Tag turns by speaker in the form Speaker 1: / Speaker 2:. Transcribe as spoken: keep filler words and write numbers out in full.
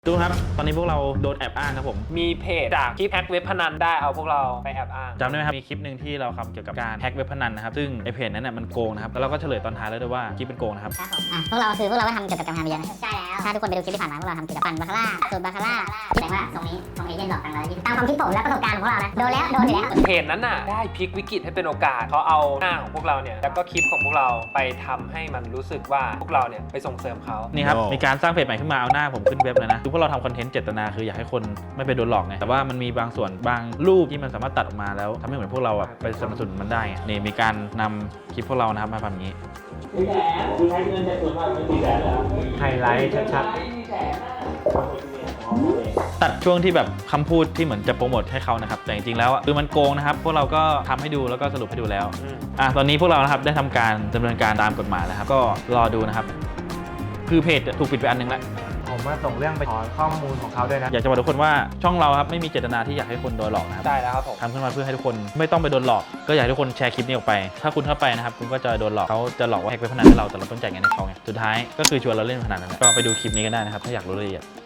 Speaker 1: ดูครับตอนนี้พวกเราโดนแอบอ้างครับผม
Speaker 2: มีเพจจากคลิปแฮกเว็บพนันได้เอาพวกเราไปแอบอ้าง
Speaker 1: จำได้ไหมครับมีคลิปหนึ่งที่เราทำเกี่ยวกับการแฮกเว็บพนันนะครับซึ่งไอเพจนั้นน่ะมันโกงนะครับแล้วเราก็เฉลยตอนท้ายแล้วด้วยว่าคลิปเป็นโกงนะครับ
Speaker 3: ครับผมอ่ะพวกเราคือพวกเราก็ทำเกี่ยวกับการพนันเยอะนะใช่แล้วถ้าทุกคนไปดูคลิปที่ผ่านมาพวกเราทำเกี่ยวกับปั่นบาคาร่าสูตรบาคาร่าแสดงว่าตรงนี้ตรงเอเย่นหลอกตังค์เราตามความคิดผมและประสบการณ์ของพวกเรานะโดนแล้วโดนอยู่แล้ว
Speaker 2: เพจนั้นน่ะได้พลิกวิกฤตให้เป็นโอกาสเขาเอาหน้าของพวกเราเนี่ยแล้วก็คลิปของพวกเราไปทำให้มันรู้สึกว่าพวกเราเนี่ยไปส่งเสริมเขา
Speaker 1: นี่ครับมีการสร้างเพจใหม่ขึ้นมาเอาหน้าผมขึ้นเว็บเลยนะคือพวกเราทำคอนเทนต์เจตนาคืออยากให้คนไม่ไปโดนหลอกไงแต่ว่ามันมีบางส่วนบางรูปที่มันสามารถตัดออกมาแล้วทำให้เหมือนพวกเราแบบไปสนับสนุนมันได้ไงนี่มีการนำคลิปพวกเรานะครับมาทำอย่างนี้
Speaker 2: ไฮไลท์ชัด
Speaker 1: ตัดช่วงที่แบบคำพูดที่เหมือนจะโปรโมทให้เขานะครับแต่จริงๆแล้วคือมันโกงนะครับพวกเราก็ทำให้ดูแล้วก็สรุปให้ดูแล้วอ่ะตอนนี้พวกเรานะครับได้ทำการดำเนินการตามกฎหมายแล้วครับก็รอดูนะครับคือเพจถูกปิดไปอันนึงแล้ว
Speaker 4: ผมว่าส่งเรื่องไปขอข้อมูลของเขาด้วยนะ
Speaker 1: อยากจะบอกทุกคนว่าช่องเราครับไม่มีเจตนาที่อยากให้คนโดนหลอกนะครับ
Speaker 2: ๆได้แล้วครับผม
Speaker 1: ทำขึ้นมาเพื่อให้ทุกคนไม่ต้องไปโดนหลอกก็อยากให้ทุกคนแชร์คลิปนี้ออกไปถ้าคุณเข้าไปนะครับคุณก็จะโดนหลอกเขาจะหลอกว่าแฮกเว็บพนันให้เราแต่เราต้องจ่ายเงินให้เขาไงสุดท้ายก็คือชวนเราเล่นพนันนั่นแหละก็ไปดูคลิปนี้กันได้นะครับถ้าอยากรู้รายละเอียด